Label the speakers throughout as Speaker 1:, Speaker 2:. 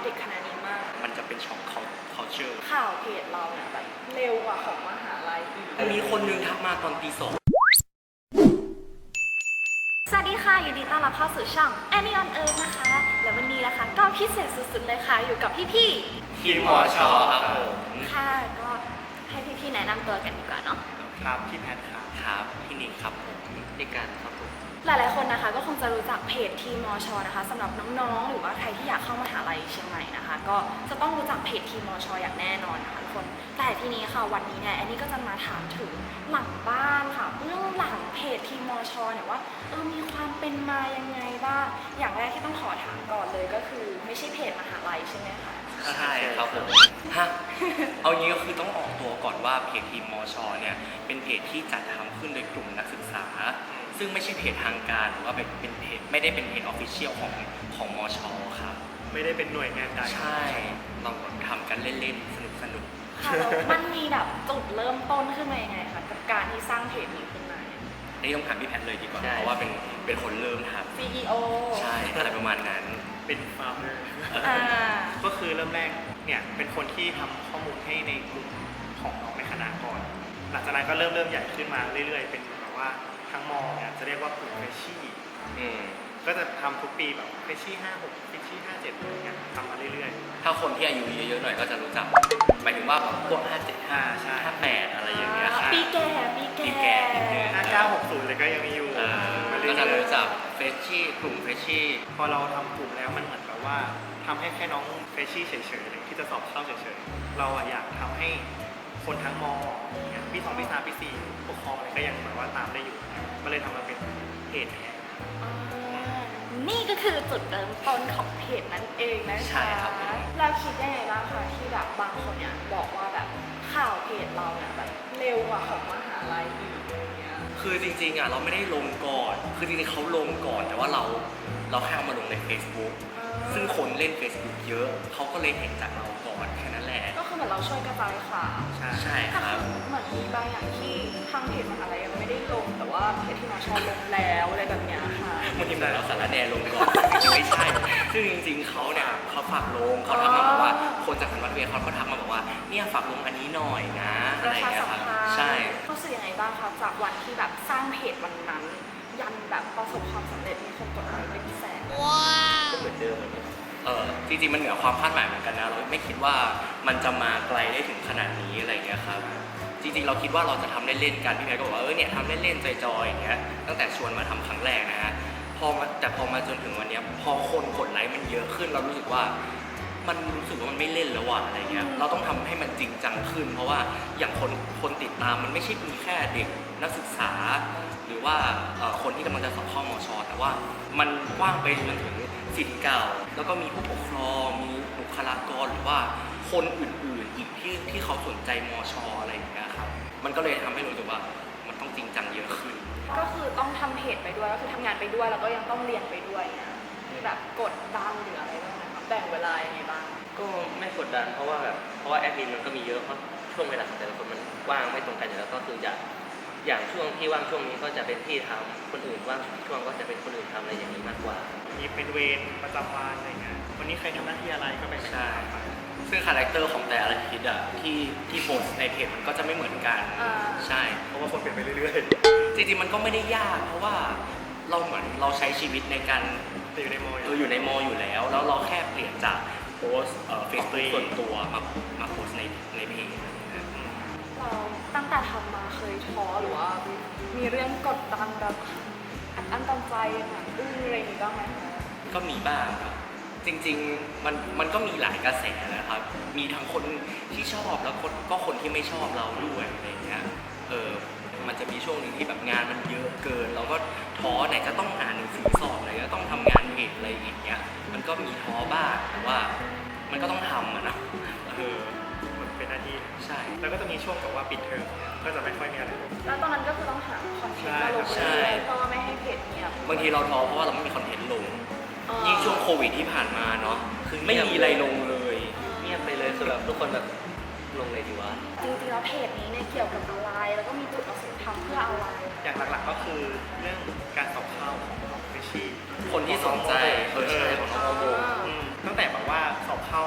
Speaker 1: เด็กคณะนี้มาก
Speaker 2: มันจะเป็นช็อคculture
Speaker 1: ข่าวเพจเราเนี่ยแบบเร็วกว่าของมหาลัยอีก
Speaker 2: มีคนนึงทักมาตอนตี 2
Speaker 1: สวัสดีค่ะยินดีต้อนรับเข้าสู่ช่อง Annie on Earth นะคะและวันนี้นะคะก็พิเศษสุดๆเลยค่ะอยู่กับพี่
Speaker 2: ๆทีมมชครับผม
Speaker 1: ค่ะก็ให้พี่ๆแนะนำตัวกันดีกว่าเนาะ
Speaker 2: ครับพี่แพทครับพี่นิกครับผมในการครับผม
Speaker 1: หลายๆคนนะคะก็คงจะรู้จักเพจทีมมชนะคะสำหรับน้องๆหรือว่าใครที่อยากเข้ามหาลัยเชียงใหม่นะคะก็จะต้องรู้จักเพจทีมมชอย่างแน่นอนนะคะทุกคนแต่ทีนี้ค่ะวันนี้เนี่ยแอนนี่ก็จะมาถามถึงหลังบ้านค่ะเรื่องหลังเพจทีมมชเนี่ยว่ามีความเป็นมายังไงบ้างอย่างแรกที่ต้องขอถามก่อนเลยก็คือไม่ใช่เพจมหาลัยใช่ไหมคะ
Speaker 2: ใช่ครับผมเอางี้ก็คือต้องออกตัวก่อนว่าเพจทีมมชเนี่ยเป็นเพจที่จัดทำขึ้นโดยกลุ่มนักศึกษาซึ่งไม่ใช่เพจทางการหรือว่าเป็นเพจไม่ได้เป็นเพจออฟฟิเชียลของมชครับ
Speaker 3: ไม่ได้เป็นหน่วยงานใด
Speaker 2: ใช่เราทำกันเล่นๆสนุก
Speaker 1: ค่ะมันมีแบบจุดเริ่มต้นขึ้นมายังไงคะกับการที่สร้างเพจนี้ขึ้นมา
Speaker 2: นี่ต้องถามพี่แพทเลยดีกว่าเพราะว่าเป็นคนเริ่มทำ
Speaker 1: CEO
Speaker 2: ใช่อะไรประมาณนั้น
Speaker 3: เป็นฟาร์มเมอร์ก็คือเริ่มแรกเนี่ยเป็นคนที่ทำข้อมูลให้ในกลุ่มของน้องในคณะก่อนหลังจากนั้นก็เริ่มใหญ่ขึ้นมาเรื่อยๆเป็นแบบว่าทั้งมอเนี่ยจะเรียกว่ากลุ่มเฟรชชี่ก็จะทำทุกปีแบบเฟรชชี่56เฟรชชี่57อะไรเงี้ยทำมาเรื่อย
Speaker 2: ๆถ้าคนที่อายุเยอะๆหน่อยก็จะรู้จักหมายถึงว่าพวก575ใช่58อะไรอย่างเงี้ย
Speaker 1: ปีแก่
Speaker 3: 5960เลยก็ยังมีอยู่
Speaker 2: ก็จะรู้จักเฟรชชี่กลุ่มเฟรชชี่
Speaker 3: พอเราทำกลุ่มแล้วมันเหมือนแบบว่าทำให้แค่น้องเฟรชชี่เฉยๆเลยที่จะสอบเข้าเฉยๆเราอยากทำให้คนทั้งมปี2ปี3ปี4ปกครองอะไรก็ยังแบบว่าตามได้อยู่ก็เลยทำมาเป็นเพจแทน
Speaker 1: นี่ก็คือจุดเริ่มต้นของเพจนั่นเองนะคะ
Speaker 2: ใช่ครับ
Speaker 1: เราคิดยังไงบ้างคะที่แบบบางคนเนี่ยบอกว่าแบบข่าวเพจเราเนี่ยแบบเร็วกว่าของมหาลัยอีกอะไรเงี้ย
Speaker 2: คือจริงๆอ่ะเราไม่ได้ลงก่อนคือจริงๆเขาลงก่อนแต่ว่าเราแค่เอามาลงใน Facebook ซึ่งคนเล่น Facebook เยอะเขาก็เลยเห็นจากเราก่อนแค่นั้นแหละ
Speaker 1: ก็คือเหมือนเราช่วยกระจายข่าว
Speaker 2: ใช่ครับ
Speaker 1: เหมือนมีบางอย่างที่ทางเพจมหาลัยยังไม่ได้ลงแต่ว่าเพจที่มชลงแล้วอะไรแบบเนี้ยค่ะ
Speaker 2: มันทีมไหนเราสารแนลงก่อนจริงๆไม่ใช่ซึ่งจริงๆเขาเนี่ยเขาฝากลงเขาทักมาบอกว่าคนจากสันวัตเวียเขาทักมาบอกว่าเนี่ยฝากลงอันนี้หน่อยนะอะไรอย่างเงี้ยครับใช่
Speaker 1: รู้สึกยังไงบ้างคะจากวันที่แบบสร้างเพจวันนั้นยันแบบประสบความสำเร็จมีคนกดไลค์เป็นแสน
Speaker 2: ว้าวก็เหมือนเดิมจริงๆมันเหนือความคาดหมายเหมือนกันนะเราไม่คิดว่ามันจะมาไกลได้ถึงขนาดนี้อะไรอย่างเงี้ยครับจริงๆเราคิดว่าเราจะทำเล่นๆกันพี่แม่ก็บอกว่าเนี่ยทำเล่นๆจอยๆอย่างเงี้ยตั้งแต่ชวนมาทำครั้งแรกนะฮะแต่พอมาจนถึงวันนี้พอคนกดไลค์มันเยอะขึ้นเรารู้สึกว่ามันไม่เล่นแล้วว่ะอะไรเงี้ยเราต้องทำให้มันจริงจังขึ้นเพราะว่าอย่างคนติดตามมันไม่ใช่มีแค่เด็กนักศึกษาหรือว่าคนที่กำลังจะสอบเข้ามช.แต่ว่ามันกว้างไปจนถึงศิษย์เก่าแล้วก็มีผู้ปกครองมีบุคลากรหรือว่าคนอื่นๆอีกที่เขาสนใจมช.อะไรอย่างเงี้ยครับมันก็เลยทำให้รู้สึกว่ามันต้องจริงจังเยอะขึ้น
Speaker 1: ก็คือต้องทำเพจไปด้วยก็คือทำงานไปด้วยแล้วก็ยังต้องเรียนไปด้วยเนี่ยมีแบบกดดันหรืออะไรบ้างไหมครับแบ่งเวลายังไงบ้าง
Speaker 4: ก็ไม่กดดันเพราะว่าแอดมินมันก็มีเยอะเพราะช่วงเวลาของแต่ละคนมันว่างไม่ตรงกันอยู่แล้วก็คืออย่างช่วงที่ว่างช่วงนี้ก็จะเป็นพี่ทำคนอื่นว่างช่วงก็จะเป็นคนอื่นทำอะไรอย่างนี้มากกว่า
Speaker 3: มีเป็นเวรประจำวันอะไรเงี้ยวันนี้ใครทำหน้าที่อะไรก็ไป
Speaker 2: ใช่ซึ่งคาแรคเตอร์ของแต่ละทิศอ่ะที่โพสในเพจมันก็จะไม่เหมือนกันใช่
Speaker 3: เพราะว่าคนเปลี่ยนไปเรื่อย
Speaker 2: ๆจริงๆมันก็ไม่ได้ยากเพราะว่าเราใช้ชีวิตในการ
Speaker 3: อยู่ในมอ
Speaker 2: อยู่ในมออยู่แล้วเราแค่เปลี่ยนจากโพสเฟซบุ๊กส่วนตัวมาโพสในเพจ
Speaker 1: เราตั้งแต่ทำมาเคยท้อหรือว่ามีเรื่องกดดันแบบอันตันใจอะไรอย่างนี้บ้างไหม
Speaker 2: ก็มีบ้างครับจริงๆมันก็มีหลายกระแสนะครับมีทั้งคนที่ชอบแล้วก็คนที่ไม่ชอบเราด้วยอะไรอย่างเงี้ยมันจะมีช่วงหนึ่งที่แบบงานมันเยอะเกินเราก็ท้อไหนจะต้องอ่านหนังสือสอบอะไรก็ต้องทำงานเพจอะไรอย่างเงี้ยมันก็มีท้อบ้างแต่ว่ามันก็ต้องทำนะ
Speaker 3: มันเป็นหน้าที่
Speaker 2: ใช่
Speaker 3: แล้วก็จะมีช่วงแบบว่าปิดเทอมก็จะไม่ค่อยมีอะไร
Speaker 1: แล้วตอนนั้นก็คือต้องหาคอนเทนต์มาลงเลยเพราะว่าไม่ให้เพจเงียบบ
Speaker 2: างทีเราท้อเพราะว่าเราไม่มีคอนเทนต์ลงยิ่งช่วงโควิดที่ผ่านมาเนาะคือไม่มีอะไรลงเลย
Speaker 4: เงียบไปเลยคือแบบทุกคนแบบลงเลยดีวะ
Speaker 1: จริงๆแล้วเพจนี้เนี่ยเกี่ยวกับอะไรแล้วก็มีจุดประสงค์ทำเพื่ออะไร
Speaker 3: อย่างหลักๆก็คือเรื่องการสอบเข้าของน้องเฟชชี่
Speaker 2: คนที่สนใจ
Speaker 3: ใช่ของน้องโมตั้งแต่แบบว่าสอบเข้า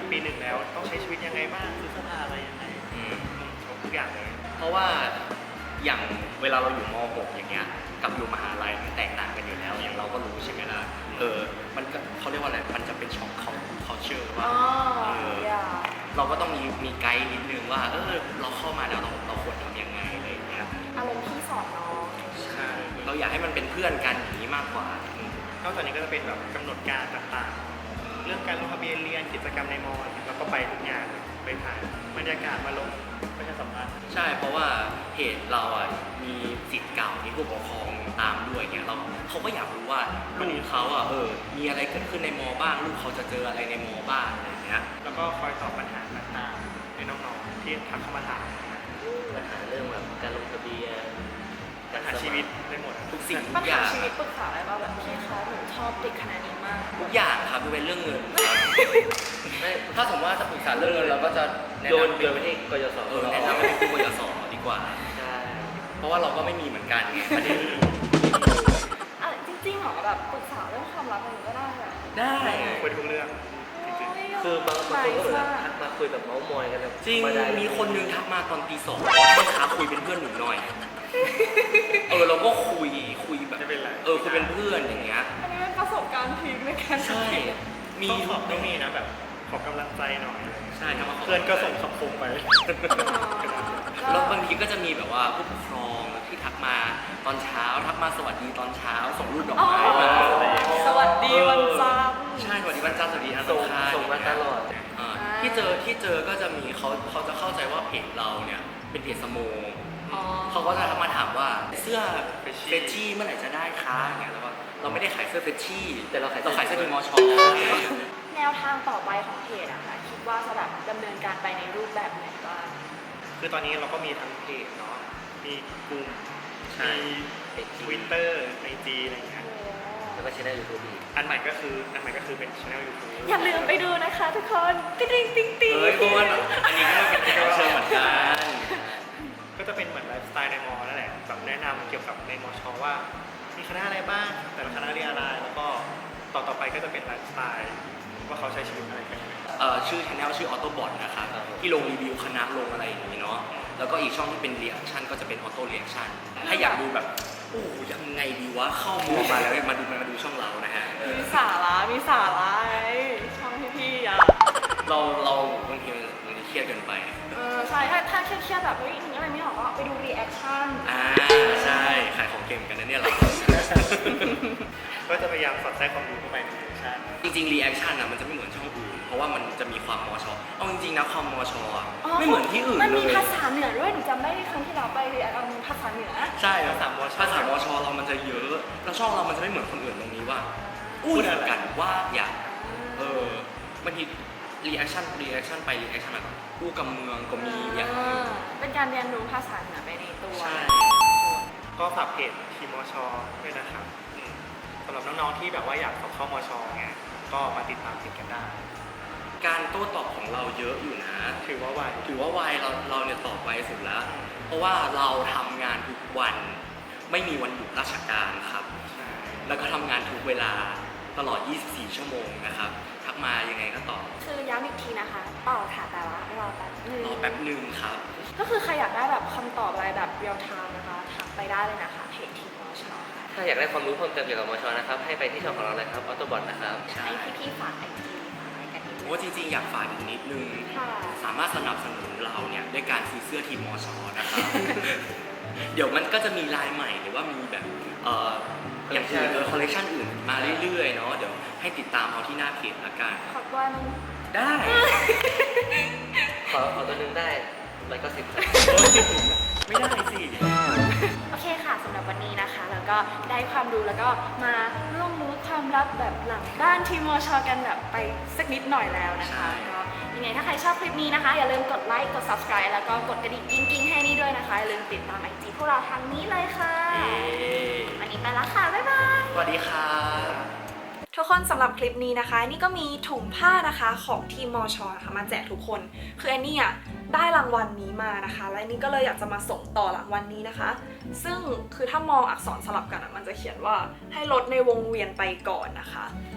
Speaker 3: ปีหนึ่งแล้วต้องใช้ชีวิตยังไงบ้างซื้อเสื้อผ้าอะไรยังไงทุกอย่างเลย
Speaker 2: เพราะว่าอย่างเวลาเราอยู่ม .6 อย่างเงี้ยกับอยู่มหาลัยมันแตกต่างกันอยู่แล้วอย่างเราก็รู้ใช่ไหมล่ะมันก็เขาเรียกว่าอะไรมันจะเป็นช็อคของ culture ว่า เราก็ต้องมีไกด์นิดนึงว่าเราเข้ามาแล้วเราควรทำยังไงอะไรอย่างเงี้ย
Speaker 1: อารมณ์พี่สอนน้อง
Speaker 3: ใช่
Speaker 2: เราอยากให้มันเป็นเพื่อนกันอย่างนี้มากกว่า
Speaker 3: นอกจากนี้ก็จะเป็นแบบกำหนดการต่างๆ เรื่องการลงทะเบียนเรียนกิจกรรมในมอแล้วก็ไปทุกงานไปถ่ายบรรยากาศมาลงประชาสัมพันธ์
Speaker 2: ใช่เพราะว่าเพจเราอ่ะมีสิทธิ์เก่ามีผู้ปกครองตามด้วยเนี่ยเขาก็อยากรู้ว่าลูกเขาอ่ะมีอะไรเกิดขึ้นในมอบ้างลูกเขาจะเจออะไรในมอบ้างอะไรอย่างเงี้ย
Speaker 3: แล้วก็คอยตอบปัญหาต่างๆในน้องๆที่ทักเข้ามาถาม
Speaker 4: ปัญหาเรื่องแบบการลงทะเบียน
Speaker 3: ปัญหาชีวิตได้หมด
Speaker 2: ทุกสิ่งทุ
Speaker 1: ปัญ
Speaker 2: กอ
Speaker 1: หา
Speaker 2: ย่าง
Speaker 1: ชีวิตปรึกษาอะไรบ้างแบบพี่คะหนูชอบเด็กคณะนี้มาก
Speaker 2: ทุกอย่างครับคือเป็นเรื่องเงินครับไม่ถ้าสมมติว่าจะปรึกษาเรื่องเงินเราก็จะแนะ
Speaker 4: โยน
Speaker 2: นำ
Speaker 4: ไปที่กยศ
Speaker 2: แนะนำให้เป็นผู้กยศดีกว่า
Speaker 4: ใช่
Speaker 2: เพราะว่าเราก็ไม่มีเหมือนกันไงประเด็น
Speaker 1: จริงๆเหรอแบบปรึกษาเรื่องความรักอะไรก็ได้แบบ
Speaker 2: ได้
Speaker 3: คุยทุกเรื่อง
Speaker 4: คือบางคนก็แบบทักมาคุยแบบเมาส์มอยกันแบบ
Speaker 2: จริง
Speaker 4: ธรรดา
Speaker 2: มีคนนึงทักมาตอนตี 2ให้ท้าคุยเป็นเพื่อนหนูหน่อยเราก็คุยแบบ
Speaker 3: ไม่เป็นไร
Speaker 2: คุยเป็นเพื่อนอย่างเงี้ย
Speaker 1: อันนี้เป็นประสบการณ์พีคในการ
Speaker 2: ใช่มี
Speaker 3: ต้องมีนะแบบขอกำลังใจหน่อย
Speaker 2: ใช่ทำมาข
Speaker 3: เพื่อนก็ส่งคำคมไป
Speaker 2: แล้วบางทีก็จะมีแบบว่าผู้ปกครองที่ทักมาตอนเช้าทักมาสวัสดีตอนเช้า ส่งรูปดอกไม้มา
Speaker 1: สวัสดีวันจันทร์
Speaker 2: ใช่สวัสดีวันจันทร์สวัสดีนะ
Speaker 4: ส่งมาตลอด
Speaker 2: ที่เจอก็จะมีเขาจะเข้าใจว่าเพจเราเนี่ยเป็นเพจสโม เขาก็จะมาถามว่าเสื้อเฟชชี่เมื่อไหร่จะได้คะอย่างเงี้ยแล้วก็เราไม่ได้ขายเสื้อเฟชชี่
Speaker 4: แต่เราขาย
Speaker 2: เสื้อทีมอช
Speaker 1: แนวทางต่อไปของเพจอะค่ะคิดว่าจะแบบดำเนินการไปในรูปแบบไหนบ้าง
Speaker 3: คือตอนนี้เราก็มีทั้งเพจเนาะ มีกลุ่ม
Speaker 2: ใช่
Speaker 3: มีทวิตเตอร์ในจีอะไรอย่างเงี้ย
Speaker 4: แล้วก็ช่องยูทูบอีก
Speaker 3: อันใหม่ก็คือเป็นช่อง YouTube
Speaker 1: อย่าลืมไปดูนะคะทุกคนติ๊งติ๊งติ๊งติ๊ง
Speaker 2: เพราะว่าอันนี้ก็เป็นแขกรับเชิญเหมือนกัน
Speaker 3: ก็จะเป็นเหมือนไลฟ์สไตล์ในมอนั่นแหละแบบแนะนำเกี่ยวกับในมอชอว่า มีคณะอะไรบ้าง แต่ละคณะเรียนอะไร แล้วก็ต่อไปก็จะเป็นไลฟ์สไตล์ว่าเขาใช้ชีวิตอะไรกันยังไง
Speaker 2: ชื่อ channel ชื่อ Autobot นะครับที่ลงรีวิวคณะลงอะไรอย่างนี้เนาะแล้วก็อีกช่องที่เป็น reaction ก็จะเป็น Auto Reaction ถ้าอยากดูแบบยังไงดีวะเข้ามัวมาแล้วมาดูช่องเรานะฮะ
Speaker 1: มีสาระไอ้ช่องพี่ๆอะ
Speaker 2: เราบางทีมันเครียดเกินไป
Speaker 1: ใช่ถ้าเครียดๆแบบนึกอะไรไม่ออกก็ไปดูรีแอคชั่น
Speaker 2: ใช่ขายของเก่งกันนะเนี่ยเรา
Speaker 3: ก็จะพยายามสอดแทรกความรู้เข้าไปในเวอร์ชัน
Speaker 2: จริงๆ reaction อ่ะมันจะไม่เหมือนช่องอื่นเพราะว่ามันจะมีความมอชเอาจริงๆนะความมอชอ่ะไม่เหมือนที่อื่น
Speaker 1: มัน
Speaker 2: เล
Speaker 1: มี
Speaker 2: ย
Speaker 1: ภาษาเหนือด้วยหนูจำได้ครั้งที่เราไปรีแอคเอาภาษาเหนือ
Speaker 2: ใช่ภาษามอชเรามันจะเยอะแล้วช่องเรามันจะไม่เหมือนคนอื่นตรงนี้ว่าพูดกันว่าอย่างบางที reaction ไป reaction มาอู้กับเมืองก็มีอย่าง
Speaker 1: เป็นการเรียนรู้ภาษาเหนือไปในตัว
Speaker 2: ใช่
Speaker 3: ก็ฝากเพจทีมมอชอด้วยนะครับสำหรับน้องๆที่แบบว่าอยากสอบเข้ามอชอไงก็มาติดตามเพจกันได้
Speaker 2: การโต้ตอบของเราเยอะอยู่นะ
Speaker 3: ถือว่าไว
Speaker 2: ถือว่าไวเราเนี่ยตอบไวสุดแล้ว เพราะว่าเราทำงานทุกวันไม่มีวันหยุดราชการครับ แล้วก็ทำงานทุกเวลาตลอด 24 ชั่วโมงนะครับทักมายังไงก็ตอบ
Speaker 1: คือย้ำอีกทีนะคะต่อค่ะแต่ว่ารอแป๊บนึง
Speaker 2: รอแป๊บหนึ่งครับ
Speaker 1: ก็คือใครอยากได้แบบคำตอบอะไรแบบเรียลไทม์นะคะทักไปได้เลยนะคะเพจทีมอชค่ะ
Speaker 4: ถ้าอยากได้ความรู้เพิ่มเติมเกี่ยวกับมชนะครับให้ไปที่ช่องของเราเลยครับออโตบอทนะครับ
Speaker 2: ใช่
Speaker 1: ให้พี่ๆฝากไอจีฝากอะไรกันนิดนึง
Speaker 2: ว่าจริงๆอยากฝากอีกนิดนึง
Speaker 1: ค่ะ
Speaker 2: สามารถสนับสนุนเราเนี่ยด้วยการซื้อเสื้อทีมมอชนะครับ เดี๋ยวมันก็จะมีลายใหม่หรือว่ามีแบบอย่างอื่นคอลเลคชันอื่นมาเรื่อยๆเนาะเดี๋ยวให้ติดตามเอาที่หน้าเพจละกัน
Speaker 1: ขอบคุณ
Speaker 2: ได้
Speaker 4: ขอตัวหนึงได้190ครับ
Speaker 2: ไม่ได้สิ
Speaker 1: โอเคค่ะสำหรับวันนี้นะคะแล้วก็ได้ความรู้แล้วก็มาร่วมรู้ความลับแบบหลังด้านทีมมชกันแบบไปสักนิดหน่อยแล้วนะคะก็ยังไงถ้าใครชอบคลิปนี้นะคะอย่าลืมกดไลค์กด subscribe แล้วก็กดกระดิ่งกิ้งๆให้นี่ด้วยนะคะอย่าลืมติดตามไอจีพวกเราทางนี้เลยค่ะวันนี้ไปแล้วค่ะบ๊ายบาย
Speaker 2: สวัสดีครับ
Speaker 1: ทุกคนสำหรับคลิปนี้นะคะนี่ก็มีถุงผ้านะคะของทีมมชนะคะมาแจกทุกคนคือแอนนี่อ่ะได้รางวัลนี้มานะคะและแอนนี่ก็เลยอยากจะมาส่งต่อรางวัลนี้นะคะ ซึ่งคือถ้ามองอักษรสลับกันอ่ะมันจะเขียนว่าให้ลดในวงเวียนไปก่อนนะคะใช่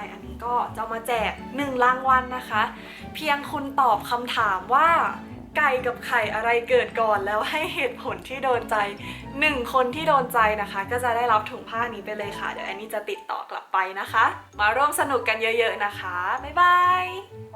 Speaker 1: อันนี้ก็จะมาแจก1รางวัลนะคะ เพียงคุณตอบคำถามว่าไก่กับไข่อะไรเกิดก่อนแล้วให้เหตุผลที่โดนใจ1คนที่โดนใจนะคะก็จะได้รับถุงผ้านี้ไปเลยค่ะเดี๋ยวอันนี้จะติดต่อกลับไปนะคะมาร่วมสนุกกันเยอะๆนะคะบ๊ายบาย